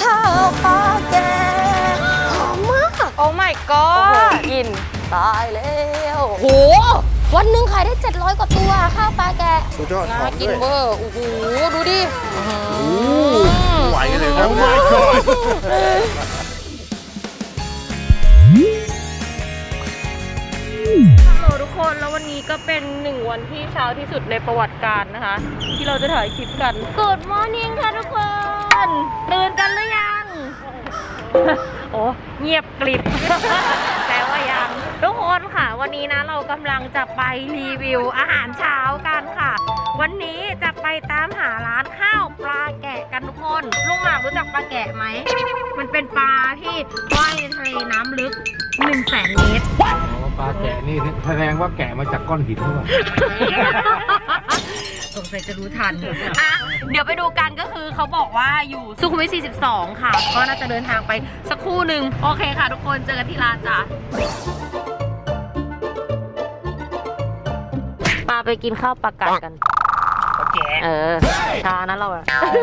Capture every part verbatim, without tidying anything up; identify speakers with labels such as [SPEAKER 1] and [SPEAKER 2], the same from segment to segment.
[SPEAKER 1] ข้าวปลาแกงหอมมากโอ้ my god กินตายแล้วโหวันหนึ่งขายได้เจ็ดร้อยกว่าตัวข้าวปลาแกะ
[SPEAKER 2] สุดยอด
[SPEAKER 1] น่ากินเวอร์โอ้โหดูดิ
[SPEAKER 2] ไหวเลยนะ
[SPEAKER 1] ฮัลโหลทุกคนแล้ววันนี้ก็เป็นหนึ่งวันที่เช้าที่สุดในประวัติการนะคะที่เราจะถ่ายคลิปกัน Good morning ค่ะทุกคนตื่นกันหรือยัง โอ้เงียบกริบ แต่ว่ายังทุกคนค่ะวันนี้นะเรากำลังจะไปรีวิวอาหารเช้ากันค่ะวันนี้จะไปตามหาร้านข้าวปลาแกะกันทุกคนลุงหมากรู้จักปลาแกะไหมมันเป็นปลาที่ว่ายในทะเลน้ำลึกหนึ่งแสนเมตร
[SPEAKER 3] ปลาแกะนี่แสดงว่าแกะมาจากก้อนหินหรือเปล่า
[SPEAKER 1] สงสัยจะรู้ทันอ่ะเดี๋ยวไปดูกันก็คือเขาบอกว่าอยู่สุขุมวิทสี่สิบสองค่ะก็น่าจะเดินทางไปสักครู่หนึ่งโอเคค่ะทุกคนเจอกันที่ร้านจ้ะปลาไปกินข้าวปลากัดกันปลาแกะเออชานั้นเราอะ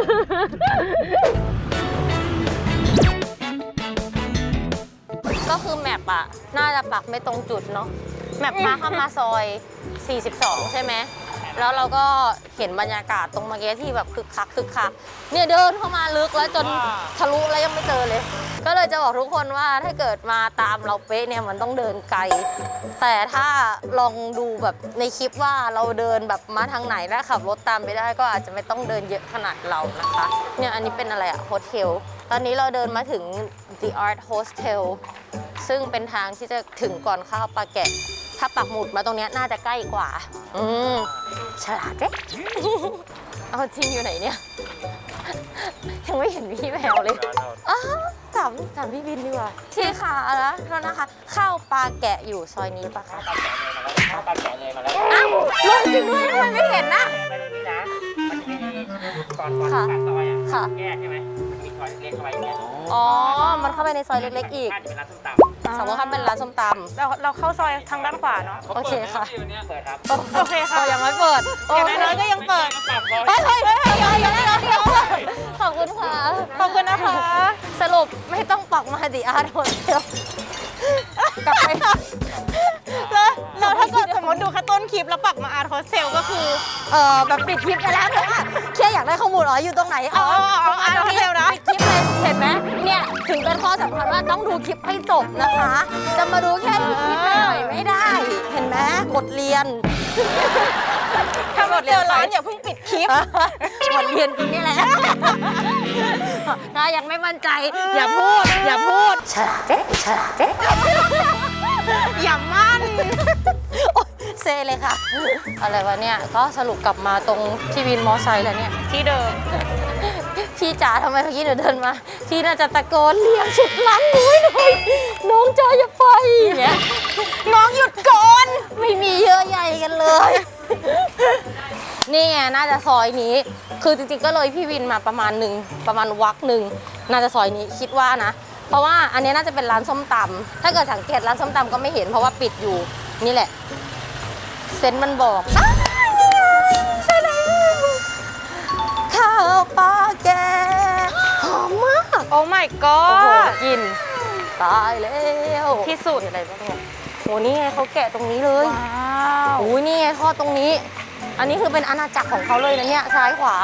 [SPEAKER 1] ก็คือแมปอะน่าจะปักไม่ตรงจุดเนาะแมปพาเข้ามาซอยสี่สิบสองใช่ไหมแล้วเราก็เห็นบรรยากาศตรงเมื่อกี้ที่แบบคึกคักคึกคักเนี่ยเดินเข้ามาลึกแล้วจนทะลุแล้วยังไม่เจอเลยก็เลยจะบอกทุกคนว่าถ้าเกิดมาตามเราเป๊ะเนี่ยมันต้องเดินไกลแต่ถ้าลองดูแบบในคลิปว่าเราเดินแบบมาทางไหนแล้วขับรถตามไปได้ก็อาจจะไม่ต้องเดินเยอะขนาดเรานะคะเนี่ยอันนี้เป็นอะไรอะโฮเทลตอนนี้เราเดินมาถึง The Art Hostel ซึ่งเป็นทางที่จะถึงก่อนข้าวปลาแกะถ้าปักหมุดมาตรงนี้น่าจะใกล้กว่าอืมฉลาดเจ๊ เอาจริงอยู่ไหนเนี่ย ยังไม่เห็นพี่แมวเลยอ้าวถามถามพี่บินดีกว่าที่ค่ะแล้วโทษนะคะข้าวปลาแกะอยู่ซอยนี้ปะคะข้าวปลาแกะเลยมาแล้วอ้าวลงจริงด้วยทำไมไม่เห็นนะไปตรงนี้นะมันจะมีก่อนก่อนผ่านซอยอ่ะแยกใช่ไหมมันมีซอยเล็กๆเข้าไปอย่างเงี้ยอ๋อมันเข้าไปในซอยเล็กๆอีกสมมติถ้าเป็นร้านส้มตำเราเราเข้าซอยทางด้านขวาเนาะโอเคค่ะเปิดครับโอเคค่ะยังไม่เปิดอย่างน้อยก็ยังเปิดเฮ้ยเฮ้ยเฮ้ยเดี๋ยวเดี๋ยวเดี๋ยวขอบคุณค่ะขอบคุณนะคะสรุปไม่ต้องปักมาดิอาร์ตโฮสเทลกลับไปแล้วเราถ้าเกิดสมมติดูแค่ต้นคลิปแล้วปักมาอาร์ตโฮสเทลก็คือเอ่อแบบปิดคลิปไปแล้วแต่ว่าแค่อยากได้ข้อมูลอ๋ออยู่ตรงไหนอ๋ออาร์ตโฮสเทลนะปิดคลิปเลยเห็นไหมเนี่ยถึงเป็นข้อสำคัญว่าต้องดูคลิปให้จบนะคะจะมาดูแค่คลิปหน่อยไม่ได้เห็นไหมบทเรียนถ้าบทเรียนร้านอย่าเพิ่งปิดคลิปบทเรียนจริงนี่แหละถ้ายังไม่มั่นใจอย่าพูดอย่าพูดฉลาดเจ๊ฉลาดเจ๊อย่ามั่นเซเลยค่ะอะไรวะเนี่ยก็สรุปกลับมาตรงที่วินมอไซค์แล้วเนี่ยที่เดิมพี่จ๋าทำไมเมื่อกี้หนูเดินมาพี่น่าจะตะโกนเรียกชุดล้างมือหน่อยน้องจ๋าอย่าไปเนี่ยน้องหยุดก่อนไม่มีเยอะใหญ่กันเลยนี่ไงน่าจะซอยนี้คือจริงๆก็เลยพี่วินมาประมาณหนึ่งประมาณวักหนึ่งน่าจะซอยนี้คิดว่านะเพราะว่าอันนี้น่าจะเป็นร้านส้มตำถ้าเกิดสังเกตร้านส้มตำก็ไม่เห็นเพราะว่าปิดอยู่นี่แหละเซนมันบอกใช่แล้วข้าวปลาแกงหอมมากโอ้ my god โอ้โหกินตายแล้วที่สุดอะไรบ้างเนี่ยโหนี่ไงเขาแกะตรงนี้เลยว้าวโอ้ยนี่ไงทอดตรงนี้อันนี้คือเป็นอาณาจักรของเขาเลยนะเนี่ยซ้ายขวา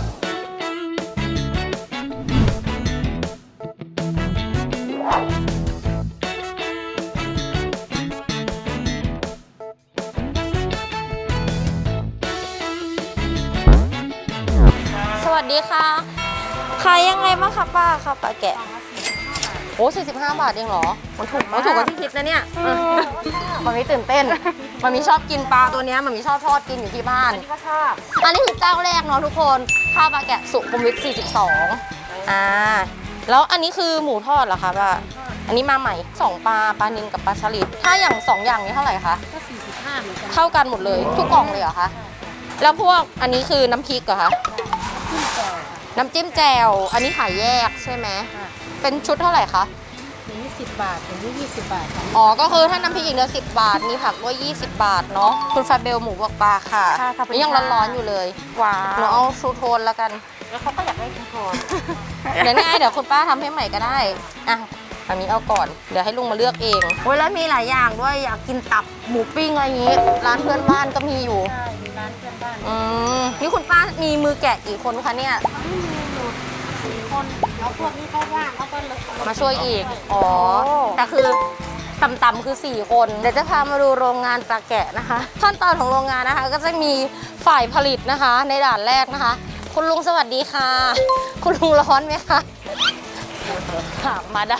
[SPEAKER 1] สวัสดีค่ะขายยังไงบ้างคะป้าค่ะป้าแกะโอ้สี่สิบห้าบาทเองเหรอมันถูกมันถูกกว่าที่คิดนะเนี่ยมันมีตื่นเต้นมันมีชอบกินปลาตัวนี้มันมีชอบทอดกินอยู่ที่บ้านอันนี้ก็ชอบอันนี้คือเจ้าแรกเนาะทุกคนข้าวปลาแกะสุขุมวิทสี่สิบสองอ่าแล้วอันนี้คือหมูทอดเหรอคะป้าอันนี้มาใหม่สองปลาปลานิลกับปลาสลิดถ้าอย่างสองอย่างนี้เท่าไหร่คะก็สี่สิบห้าเหมือนกันเท่ากันหมดเลยทุกกล่องเลยเหรอคะแล้วพวกอันนี้คือน้ำพริกเหรอคะน้ำจิ้มแจ่วอันนี้ขายแยกใช่ไหมเป็นชุดเท่าไหร่คะอย่างนี้สิบบาทอย่างนี้ยี่สิบบาทอ๋อก็คือถ้าน้ำพริกอีกเดียวสิบบาทมีผักด้วยยี่สิบบาทเนาะคุณฟาเบลหมูบวกปลาค่ะนี่ยังร้อนๆอยู่เลยว้าวหนูเอาชูโทนแล้วกัน
[SPEAKER 4] แล้วเขาก็อยากได้ทุกคน
[SPEAKER 1] เดี๋ยวนี่เดี๋ยวคุณป้าทำให้ใหม่ก็ได้อ่ะอันนี้เอาก่อนเดี๋ยวให้ลุงมาเลือกเองโอ้ยแล้วมีหลายอย่างด้วยอยากกินตับหมูปิ้งอะไรอย่างงี้ร้านเพื่อนบ้านก็มีอยู่
[SPEAKER 4] ใช่มีร้านเพื่อนบ้าน
[SPEAKER 1] อืมนี่คุณป้ามีมือแกะกี่คนคะเนี่ย
[SPEAKER 4] มีอยู่สี่คนแล้วพวกนี้เขาว่างเขาก็เลย
[SPEAKER 1] มาช่วยอีกอ๋อแต่คือต่ำๆคือสี่คน เดี๋ยวจะพามาดูโรงงานปลาแกะนะคะ ขั้นตอนของโรงงานนะคะ ก็จะมีฝ่ายผลิตนะคะ ในด่านแรกนะคะ คุณลุงสวัสดีค่ะ คุณลุงร้อนไหมคะถามมาได้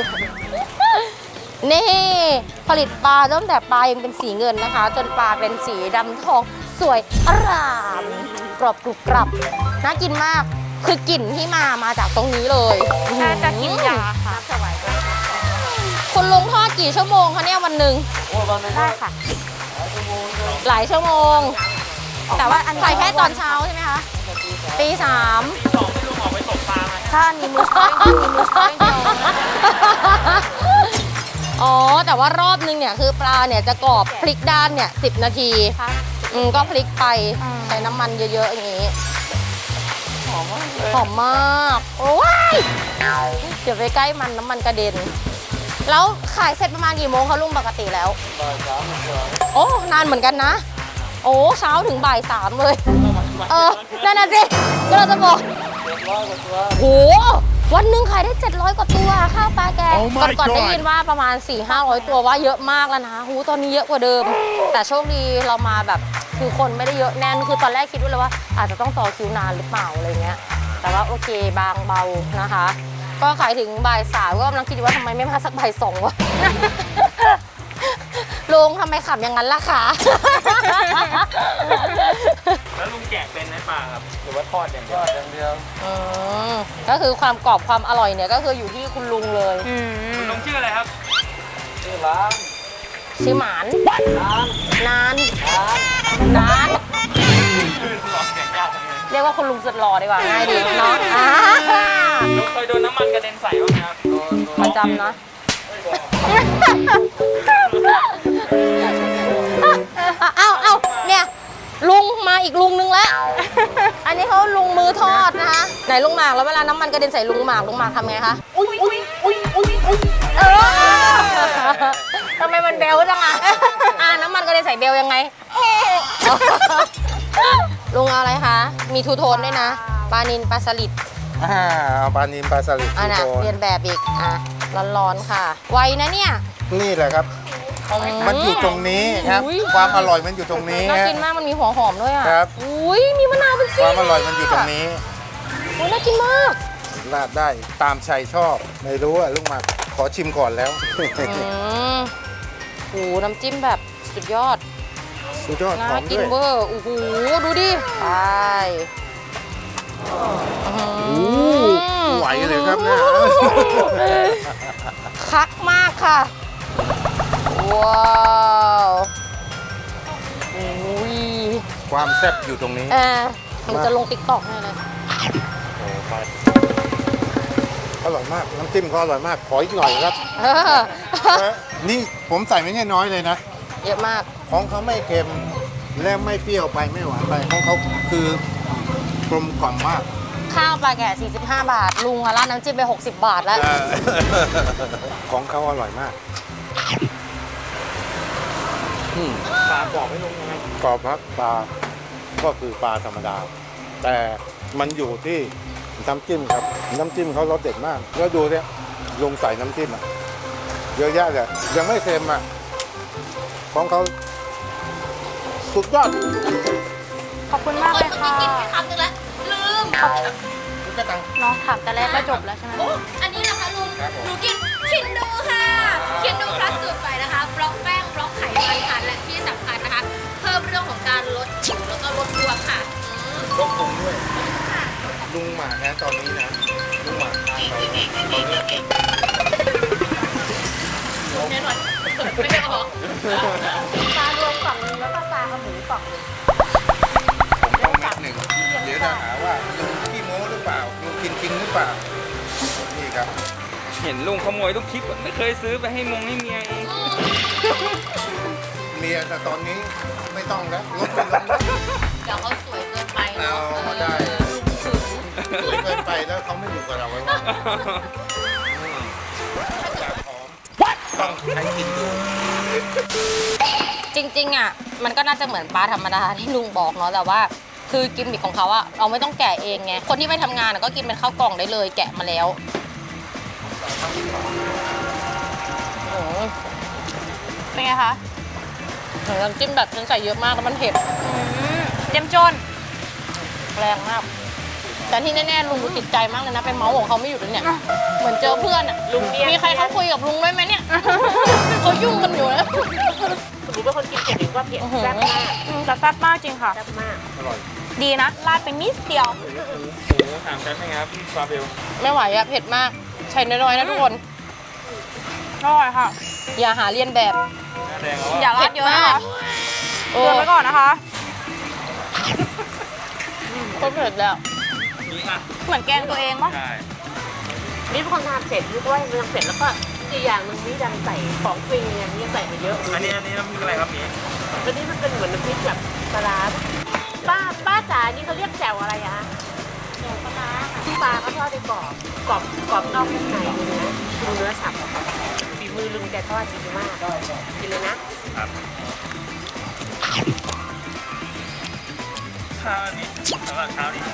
[SPEAKER 1] นี่ผลิตปลาตั้งแต่ปลายังเป็นสีเงินนะคะ จนปลาเป็นสีดำทองสวยอร่ามกรอบกรุบกรับน่ากินมากคือกลิ่นที่มามาจากตรงนี้เลย
[SPEAKER 4] น่าจะกินยาค่ะสวายด้วย
[SPEAKER 1] คุณลุงทอดกี่ชั่วโมงคะเนี่ยวันหนึ่ง
[SPEAKER 4] ได้ค่ะ
[SPEAKER 1] หลายชั่วโมง แต่ว่าใส่แค่ตอนเช้าใช่ไหมคะตีสาม
[SPEAKER 4] ถ้าอันนี้มือช้อยมีมือช้อยเดียว
[SPEAKER 1] อ๋อ แต่ว่ารอบนึงเนี่ยคือปลาเนี่ยจะกรอบพลิกด้านเนี่ยสิบนาที
[SPEAKER 4] ค่ะ
[SPEAKER 1] อืมก็พลิกไป
[SPEAKER 4] อืม
[SPEAKER 1] ใช้น้ำมันเยอะๆอย่างนี้ หอมมากเลยหอมมาก โอ้ยเดี๋ยวไปใกล้มันน้ำมันกระเด็น แล้วขายเสร็จประมาณกี่โมงคะลุงปกติแล้ว โอ้ นานเหมือนกันนะ โอ้ เช้าถึงบ่ายสามเลย เออ นั่นน่ะสิ ก็เราจะบอกโห วันหนึ่งขายได้เจ็ดร้อยกว่าตัวข้าวปลาแกะ
[SPEAKER 2] Oh
[SPEAKER 1] ก่อน
[SPEAKER 2] my
[SPEAKER 1] ก่อนได้
[SPEAKER 2] God
[SPEAKER 1] ยินว่าประมาณ สี่ห้าร้อย ตัวว่าเยอะมากแล้วนะหูตอนนี้เยอะกว่าเดิม แต่โชคดีเรามาแบบคือคนไม่ได้เยอะแน่น คือตอนแรกคิดด้วยเลยว่า อาจจะต้องต่อคิวนานหรือเปล่าอะไรเงี้ย แต่ว่าโอเคบางเบานะคะ ก็ขายถึงบ่ายสามก็กำลังคิดอยู่ว่าทำไมไม่มาสักบ่ายสองวะ ลุงทำไมขับอย่างนั้นล่ะคะ
[SPEAKER 5] แล้วลุงแกะเป็นไหมปลาครับ หรือว่าทอดอย่างเดียว
[SPEAKER 2] อย่างเดียว
[SPEAKER 1] อืมก็คือความกรอบความอร่อยเนี่ยก็คืออยู่ที่คุณลุงเลย
[SPEAKER 4] อืม
[SPEAKER 5] ลุงชื่ออะไรครับ
[SPEAKER 2] ชื่อร้าน
[SPEAKER 1] ชื่อหมานนานนาน
[SPEAKER 5] ชื่อหลอกแกะยากจังเลย
[SPEAKER 1] เรียกว่าคุณลุงสุดหล่อดีกว่าง่ายดีเนาะอ่า
[SPEAKER 5] ลุงเคยโดนน้ำมันกระเด็นใส่บ้างไหมครับ
[SPEAKER 1] ประจำเนาะเอ้าเอ้าเนี่ยลุงมาอีกลุงนึงแล้ว อันนี้เขาลุงมือทอดนะคะไหนลุงหมากแล้วเวลาน้ำมันกระเด็นใส่ลุงหมากลุงหมากทำไงคะอุ้ยอุ้ยอุ้ยอุ้ยอุ้ยเออทำไมมันเบลจังอ่ะอ่าน้ำมันกระเด็นใส่เบลยังไงลุงเอาอะไรคะมีทูโทนด้วยนะปลานินปลาสลิด
[SPEAKER 2] อ่าเอาปลานิมปลาสลิด
[SPEAKER 1] อ่ะ
[SPEAKER 2] ทู
[SPEAKER 1] นะ
[SPEAKER 2] โทน
[SPEAKER 1] เรียนแบบอีกอ่ะร้อนๆค่ะไวนะเนี่ย
[SPEAKER 2] นี่แหละครับ มันอยู่ตรงนี้ครับ
[SPEAKER 1] อุ๊ย
[SPEAKER 2] ความอร่อยมันอยู่ตรงนี้
[SPEAKER 1] น่า
[SPEAKER 2] ฮะ
[SPEAKER 1] กินมากมันมีหัวหอมด้วยอ่ะ
[SPEAKER 2] ครับ
[SPEAKER 1] อุ้ยมีมะนาวเป็น
[SPEAKER 2] ค
[SPEAKER 1] ซี่
[SPEAKER 2] วามอร่อยมันอยู่ตรงนี้
[SPEAKER 1] อุ้ยน่ากินมาก
[SPEAKER 2] ราดได้ตามใจชอบ ไม่รู้อะลูกหมากขอชิมก่อนแล้ว
[SPEAKER 1] อืมโอ้โหน้ำจิ้มแบบสุดยอด
[SPEAKER 2] สุดยอดห
[SPEAKER 1] น่า
[SPEAKER 2] อม
[SPEAKER 1] กิ
[SPEAKER 2] ด้
[SPEAKER 1] น
[SPEAKER 2] วย
[SPEAKER 1] เวอร์โอ้โหดูดิไป
[SPEAKER 2] โอ้ไหวเลยครับเนี่ย
[SPEAKER 1] คักมากค่ะ ว้าวอุ้ย
[SPEAKER 2] ความแซ่บอยู่ตรงนี้
[SPEAKER 1] เออมันจะลงติ๊กต็อกแน่เลย
[SPEAKER 2] อร่อยมาก น้ำจิ้มก็อร่อยมาก ขออีกหน่อยครับ
[SPEAKER 1] เออ
[SPEAKER 2] นี่ผมใส่ไม่ใช่น้อยเลยนะ
[SPEAKER 1] เยอะมาก
[SPEAKER 2] ของเขาไม่เค็มและไม่เปรี้ยวไปไม่หวานไปของเขาคือกลมกล่อมมาก
[SPEAKER 1] ข้าวปลาแกะสี่สิบห้า บาท ลุงอะราดน้ำจิ้มไป หกสิบ บาทแล้ว
[SPEAKER 2] เออ ของเขาอร่อยมากอืม
[SPEAKER 5] ปลากรอบไม่ลงยังไง
[SPEAKER 2] กรอบครับปลาก็คือปลาธรรมดา แต่มันอยู่ที่น้ำจิ้มครับ น้ำจิ้มเขารสเด็ดมาก แล้วดูเนี่ยลงใส่น้ำจิ้มอะเยอะแยะเลยยังไม่เค็มอ่ะของเขาสุดยอด
[SPEAKER 4] ขอบคุณมากเลยค่ะ
[SPEAKER 1] กินไปคำนึงแล้วลืม
[SPEAKER 4] น้องถามแต่แรกก็จบแล้วใช่ไหม
[SPEAKER 1] โอ้อันนี้นะคะลุง
[SPEAKER 2] ครับผม
[SPEAKER 1] หนูกินคินดูค่ะคินดูพลัสสูตรใหม่นะคะบล็อกแป้งบล็อกไขมันค่ะและที่สำคัญนะคะ เพิ่มเรื่องของการลดผิวแล้วก็ลดบวมค่ะอืม
[SPEAKER 2] ต้องปรุงด้วยลุงหมากนะตอนนี้นะลุงหมากทานเราเนี่ยเราเลือก
[SPEAKER 1] แน่นอนเปิดไม่ได้ออก
[SPEAKER 4] ปลารวมกล่องนึงแล้วก็ปลากระหมูกล่องนึง
[SPEAKER 2] ผมต้องนิดหนึ่งเดี๋ยวจะหาว่าลุงขี้โม้หรือเปล่าลุงกินจริงหรือเปล่านี่ครับ
[SPEAKER 5] เห็นลุงขโมยทุกคลิปอะไม่เคยซื้อไปให้มงให้เมียเอง
[SPEAKER 2] เมียแต่ตอนนี้ไม่ต้องแล้วลดไม่ลงแล้ว
[SPEAKER 1] เดี๋ยวเขาสวยเกินไป
[SPEAKER 2] เอา
[SPEAKER 1] เนาะ
[SPEAKER 2] ได้
[SPEAKER 1] ลุงถึง
[SPEAKER 5] ต้องให้กินดู
[SPEAKER 1] จริงๆอ่ะมันก็น่าจะเหมือนปลาธรรมดาที่ลุงบอกเนาะแต่ว่าคือกิมมิคของเขาอะเราไม่ต้องแกะเองไงคนที่ไปทำงานอะก็กินเป็นข้าวกล่องได้เลยแกะมาแล้วอืมเป็นไงคะน้ำจิ้มแบบฉันใส่เยอะมากแล้วมันเผ็ด
[SPEAKER 4] เจ้มจน
[SPEAKER 1] แรงมากแต่ที่แน่ๆลุงดูติดใจมากเลยนะไปเมาส์ของเขาไม่หยุดเลยเนี่ยเหมือนเจอเพื่อนอะ
[SPEAKER 4] ลุงเนี่ย
[SPEAKER 1] มีใครเขาคุยกับลุงด้วยไหมเนี่ย เขายุ่งกันอยู่นะ
[SPEAKER 4] หนูเป็นคนกินเผ็ดหรือว่าเผ็ด
[SPEAKER 1] อื้อหือ
[SPEAKER 4] แซ่บมาก
[SPEAKER 6] อืมแต่แซ่บมากจริงค่ะ
[SPEAKER 4] แซ่บมาก
[SPEAKER 2] อร่อย
[SPEAKER 6] ดีนะราดไปนิดเดียว
[SPEAKER 5] หมูสามชั้นเป็นไงครับพี่ฟาเบล
[SPEAKER 1] ไม่ไหวอะเผ็ดมากใช้น้อยๆนะทุกคน
[SPEAKER 6] อร่อยค่ะ
[SPEAKER 1] อย่าหาเลียนแบบ
[SPEAKER 5] หน้าแดงแล้ว
[SPEAKER 6] อย่า
[SPEAKER 5] อ่ะ
[SPEAKER 6] ราดเยอะนะคะ
[SPEAKER 1] โอ้
[SPEAKER 6] เตือนไว้ก่อนนะคะ
[SPEAKER 1] ก็เผ็ดแล้ว
[SPEAKER 5] นี่อ่ะ
[SPEAKER 6] เหมือนแกงตัวเองปะ
[SPEAKER 5] ใช่
[SPEAKER 4] นี่เป็นคนทานเสร็จนึกว่ามันยังเสร็จแล้วก็อีกอย่างหนึงนี่ดันใส่ของฟรีอย่างนี้ใส่มาเยอะ
[SPEAKER 5] อันนี้อันนี้น้ำพริกอะไรครับนี่
[SPEAKER 4] อันนี้มันเป็นเหมือนน้ำพริกแบบปลาร้าป้าป้าจ๋านี่เขาเรียกแจ่วอะไรอะแจ่วปลาร้าปลาเขาทอดในกรอบกรอบกรอบนอกนุ่มในเนื้อดูเนื้อสับฝีมือลุงแกทอดดีมากกินเลยนะครับ
[SPEAKER 5] ข้าวนี่สำหรับข้าวนี่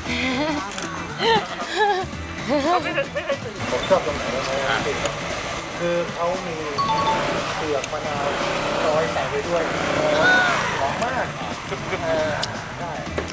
[SPEAKER 4] ไม่เคยไม่เคยตื่น
[SPEAKER 2] ผมชอบตรงไหนรู้ไหมคือเขามีเปลือกมะนาวซอยใส่ไปด้วยหอมมากเออได้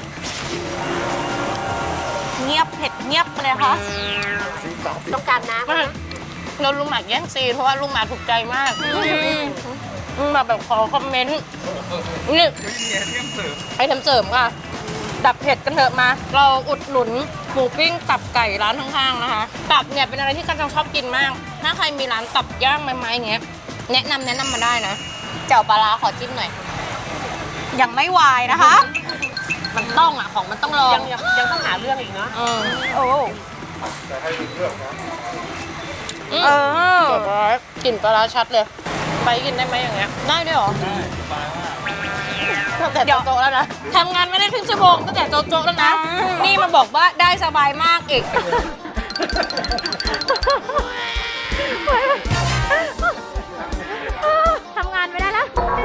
[SPEAKER 6] เงียบเผ็ดเงียบไปเลยค่ะ
[SPEAKER 2] สีสันสี
[SPEAKER 4] ต้องการน้ำไหม
[SPEAKER 1] เราลุงหมากแย่งซีนเพราะว่าลุงหมากถูกใจมากลุงหมากแบบขอคอมเมนต์นี่
[SPEAKER 5] ไม่มีไอเทมเสริม
[SPEAKER 1] ไอเทมเสริมค่ะ ดับเผ็ดกันเถอะมา เราอุดหนุนหมูปิ้งตับไก่ร้านข้างๆนะคะ ตับเนี่ยเป็นอะไรที่กันจังชอบกินมาก ถ้าใครมีร้านตับย่างไม้ๆอย่างเงี้ย แนะนำแนะนำมาได้นะเจ้าปลาร้าขอจิ้มหน่อย
[SPEAKER 6] ยังไม่วายนะคะ
[SPEAKER 1] มันต้องอ่ะของมันต้องลอง
[SPEAKER 4] ยังยังยังต้องหาเรื่องอีกเนาะ
[SPEAKER 1] อืม
[SPEAKER 6] โอ้
[SPEAKER 2] แต่ให้มีเลือกนะ
[SPEAKER 1] อืม
[SPEAKER 6] เออ
[SPEAKER 1] เดี๋ยวปลาร้ากลิ่นปลาร้าชัดเลย ไปกินได้ไหมอย่างเงี้ย ได้ด้วยเหรอ
[SPEAKER 5] ได้สบายมาก
[SPEAKER 1] ตั้งแต่โจ๊ะๆแล้วนะทำงานไม่ได้ครึ่งชั่วโมงตั้งแต่โจ๊ะๆแล้วนะ นี่มาบอกว่าได้สบายมากอีก
[SPEAKER 6] ทำงานไม่ได้แล้ว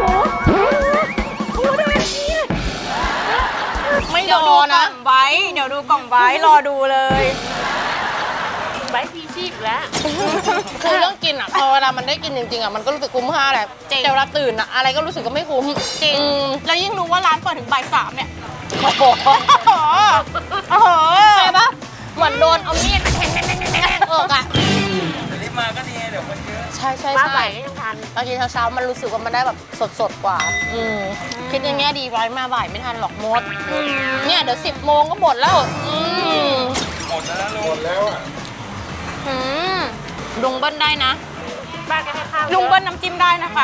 [SPEAKER 1] ไม่
[SPEAKER 6] เดี๋
[SPEAKER 1] ร
[SPEAKER 6] ยว
[SPEAKER 1] อ
[SPEAKER 6] ดูกล่
[SPEAKER 1] นะ
[SPEAKER 6] องไว้ เดี๋ยวดูกล่องไว้รอดูเลย
[SPEAKER 4] ไว้พีชีพแล้ว
[SPEAKER 1] คือเรื่องกินอ่ะพอเวลามันได้กินจริงๆอ่ะมันก็รู้สึกคุ้มค่าแหละ
[SPEAKER 6] จริง
[SPEAKER 1] แต่เวลาตื่นอ่ะอะไรก็รู้สึกก็ไม่คุ้ม
[SPEAKER 6] จริง
[SPEAKER 1] อืม
[SPEAKER 6] แล้วยิ่งรู้ว่าร้านเปิดถึงบ่ายสามเนี่ย
[SPEAKER 1] โอ้โห
[SPEAKER 6] โอ้โหโอ้โห
[SPEAKER 1] ใช่ปะเหมือนโดนเอามีดมาแทงๆๆๆเอออ่ะ
[SPEAKER 5] แต่รีบมาก็ดีเดี๋ยวคนเยอะ
[SPEAKER 1] ใช่ใช่
[SPEAKER 4] ป้าไหว
[SPEAKER 1] ใช่
[SPEAKER 4] ก็ยังทัน
[SPEAKER 1] บางทีเช้าๆมันรู้สึกว่ามันได้แบบสดๆกว่า อืมคิดอย่างเงี้ยดีไว้มาบ่ายไม่ทันหรอกมดเนี่ยเดี๋ยวสิบโมงก็หมดแล้วอืม
[SPEAKER 5] หมดแล้วนะลุ
[SPEAKER 2] หม
[SPEAKER 5] ง
[SPEAKER 2] ดแล้วอ่ะ
[SPEAKER 1] อืมลุงเบิ้ลได้นะ
[SPEAKER 4] ป้าก็ให้ข้าว
[SPEAKER 6] ลุงเบิ้ลน้ำจิ้มได้นะคะ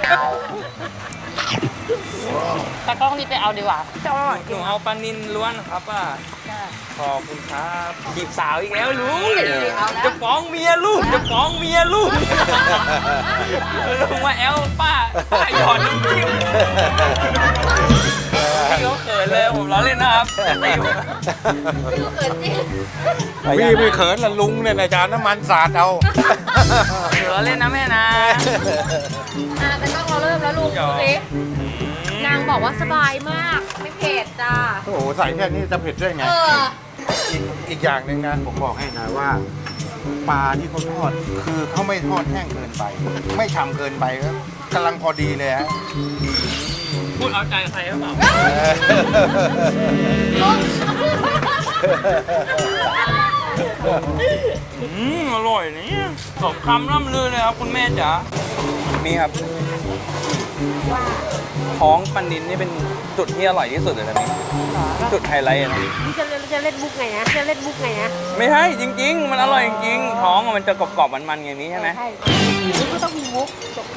[SPEAKER 1] แต่กล้องรีบไปเอาดีกว่า
[SPEAKER 6] จะอร่อย
[SPEAKER 5] หนูเอาปลานินล้วนครับป้าขอบคุณครับจีบสาวอีกแล้วลุงจะฟ้องเมียลูกจะฟ้องเมียลูกลุงมาแอลป้าป้าหยอดน้ำจิ้มพี่เขาเขินเลยผมล้อเล่นนะครับ
[SPEAKER 2] พี่ไม่เขินละลุงเนี่ยนะจานน้ำมันสาดเอา
[SPEAKER 5] ล้อเล่นนะแม่นะ
[SPEAKER 1] อ่ะแต่กล้องเราเริ่มแล้วลุง
[SPEAKER 5] หย
[SPEAKER 1] ดู
[SPEAKER 5] อก
[SPEAKER 1] สินางบอกว่าสบายมาก ไม่เผ็ดจ้า
[SPEAKER 2] โอ้โหใส่แค่นี้จะเผ็ดได้ไง
[SPEAKER 1] เออ
[SPEAKER 2] อีกอีกอย่างหนึ่งนะผมบอกให้นะว่าปลาที่เขาทอดคือเขาไม่ทอดแห้งเกินไป ไม่ฉ่ำเกินไปก็กำลังพอดีเลยฮะ
[SPEAKER 5] พูดเอาใจใครหรือเปล่า อืมอร่อยเนี่ยสมคำล่ำลือเลยครับคุณแม่จ๋านี่ครับท้องปันนินนี่เป็นจุดที่อร่อยที่สุดเลยนะนี่จุดไฮไลท์นะ
[SPEAKER 4] นี่จะเล่นจะเล่นมุกไงนะจะเล่นมุกไงนะ
[SPEAKER 5] ไม่ใช่จริง ๆ มันอร่อยจริงๆท้องอะมันจะกรอบๆมันๆอย่างนี้ใช่ไหม
[SPEAKER 4] ใช่นี่ก็ต้องมีมุกตกใจ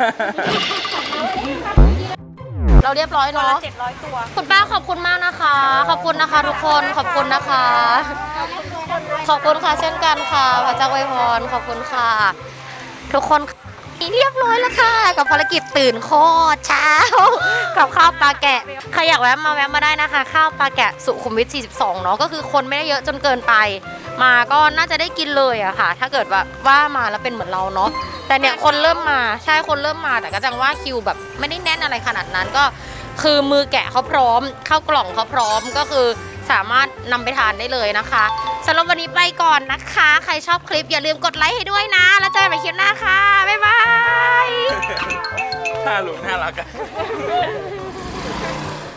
[SPEAKER 1] เราเรียบร้อย
[SPEAKER 6] ตัว
[SPEAKER 1] เนาะ
[SPEAKER 6] ละเจ็ดร้อยตัว
[SPEAKER 1] คุณป้าขอบคุณมากนะคะ ขอบคุณนะคะทุกคน ขอบคุณนะคะ ขอบคุณค่ะเช่นกันค่ะพระเจ้าอวยพรขอบคุณค่ะ ทุกคนเรียบร้อยแล้วค่ะ กับภารกิจตื่นโคตรเช้า กับข้าวปลาแกะใครอยากแวะมาแวะมาได้นะคะ ข้าวปลาแกะสุขุมวิทสี่สิบสองเนาะก็คือคนไม่ได้เยอะจนเกินไป มาก็น่าจะได้กินเลยอะค่ะ ถ้าเกิดว่าว่ามาแล้วเป็นเหมือนเราเนาะแต่เนี่ยคนเริ่มมาใช่คนเริ่มมาแต่ก็จังว่าคิวแบบไม่ได้แน่นอะไรขนาดนั้นก็คือมือแกะเขาพร้อมข้าวกล่องเขาพร้อมก็คือสามารถนำไปทานได้เลยนะคะสำหรับวันนี้ไปก่อนนะคะ ใครชอบคลิปอย่าลืมกดไลค์ให้ด้วยนะ แล้วเจอกันใหม่คลิปหน้าค่ะ บ๊ายบาย
[SPEAKER 5] น่าหลุน่ารักอะ